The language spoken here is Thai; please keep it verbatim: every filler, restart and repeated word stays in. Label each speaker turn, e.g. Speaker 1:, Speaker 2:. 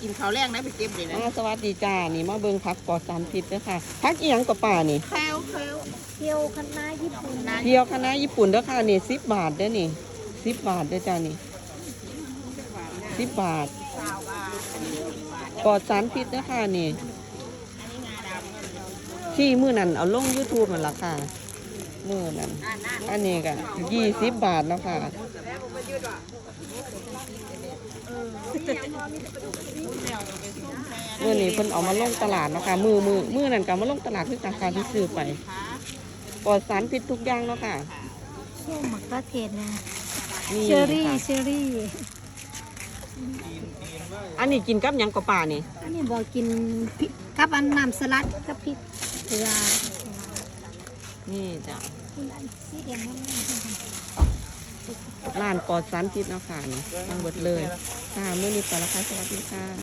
Speaker 1: กินข้าวแรงนะไปเก็บเลยนะ
Speaker 2: อ่าสวัสดีจ้านี่มาเบิ่งผักปลอดสารพิษเด้อค่ะผักอีหยังกับป่านี่
Speaker 1: แคลแคล
Speaker 3: เที่ยวคณะญี่ปุ่นนะ
Speaker 2: เที่ยวคณะญี่ปุ่นเด้อค่ะนี่สิบบาทเด้อนี่สิบบาทเด้อจ้านี่สิบบาทปลอดสารพิษเด้อค่ะนี่ที่มื้อนั้นเอาลง YouTube นั่นล่ะค่ะมื้อนั้นอันนี้ก็ยี่สิบบาทแล้วค่ะมื้อนี้เพิ่นเอามาลงตลาดเนาะค่ะมื้อมื้อมื้อนั้นก็มาลงตลาดคือราคาที่ซื้อไปปลอดสารพิษทุกอย่างเนาะค่ะ
Speaker 3: ช่วงหมักกระเทศนะ
Speaker 2: นี่
Speaker 3: เชอรี่
Speaker 2: ค่ะ
Speaker 3: เชอรี่
Speaker 2: อันนี้กินกับหยังกับป่านี่
Speaker 3: อันนี้บอกกินพริกกับอันน้ำสลัดกับพริกเกลือ
Speaker 2: นี่จ้ะ
Speaker 3: คุณอันสีแดงนั่น
Speaker 2: ร้านปลอดสารพิษเนาะค่ะนี่ทั้งหมดเลยค่ะมื้อนี้ไปแล้วค่ะสวัสดีค่ะ